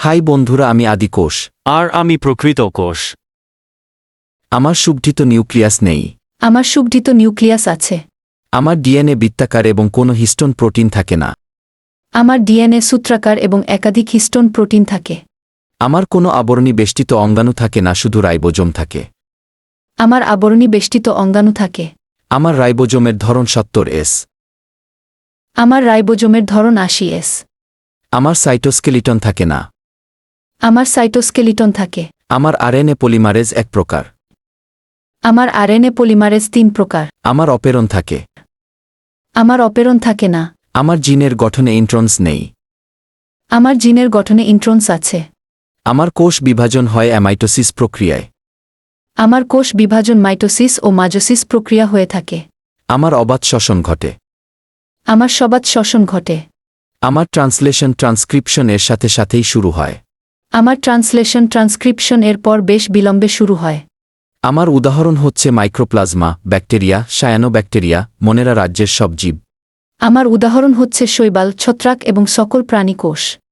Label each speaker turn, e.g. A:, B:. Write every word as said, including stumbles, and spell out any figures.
A: High বন্ধুরা, আমি আদি কোষ।
B: আর আমি প্রকৃত কোষ।
A: আমার সুগঠিত নিউক্লিয়াস নেই।
C: আমার সুগঠিত নিউক্লিয়াস আছে।
A: আমার ডিএনএ বৃত্তাকার এবং কোনো হিস্টোন প্রোটিন থাকে না।
C: আমার ডিএনএ সূত্রাকার এবং একাধিক হিস্টোন প্রোটিন থাকে।
A: আমার কোনো আবরণী বেষ্টিত অঙ্গাণু থাকে না, শুধু রাইবোজোম থাকে।
C: আমার আবরণী বেষ্টিত অঙ্গাণু থাকে।
A: আমার রাইবোজোমের ধরন সত্তর এস।
C: আমার রাইবোজোমের ধরন আশি এস।
A: আমার সাইটোস্কেলিটন থাকে না।
C: আমার সাইটোস্কেলিটন থাকে।
A: আমার আরএনএ পলিমারেজ এক প্রকার।
C: আমার আরএনএ পলিমারেজ তিন প্রকার।
A: আমার অপেরন থাকে।
C: আমার অপেরন থাকে না।
A: আমার জিনের গঠনে ইন্ট্রন্স নেই।
C: আমার জিনের গঠনে ইন্ট্রন্স আছে।
A: আমার কোষ বিভাজন হয় অ্যামাইটোসিস প্রক্রিয়ায়।
C: আমার কোষ বিভাজন মাইটোসিস ও মাজোসিস প্রক্রিয়া হয়ে থাকে।
A: আমার অবাধ শ্বসন ঘটে।
C: আমার সবাত শ্বসন ঘটে।
A: আমার ট্রান্সলেশন ট্রান্সক্রিপশন এর সাথে সাথেই শুরু হয়।
C: আমার ট্রান্সলেশন ট্রান্সক্রিপশন এর পর বেশ বিলম্বে শুরু হয়।
A: আমার উদাহরণ হচ্ছে মাইক্রোপ্লাজমা, ব্যাকটেরিয়া, সায়ানোব্যাকটেরিয়া, মনেরা রাজ্যের সব জীব।
C: আমার উদাহরণ হচ্ছে শৈবাল, ছত্রাক এবং সকল প্রাণী কোষ।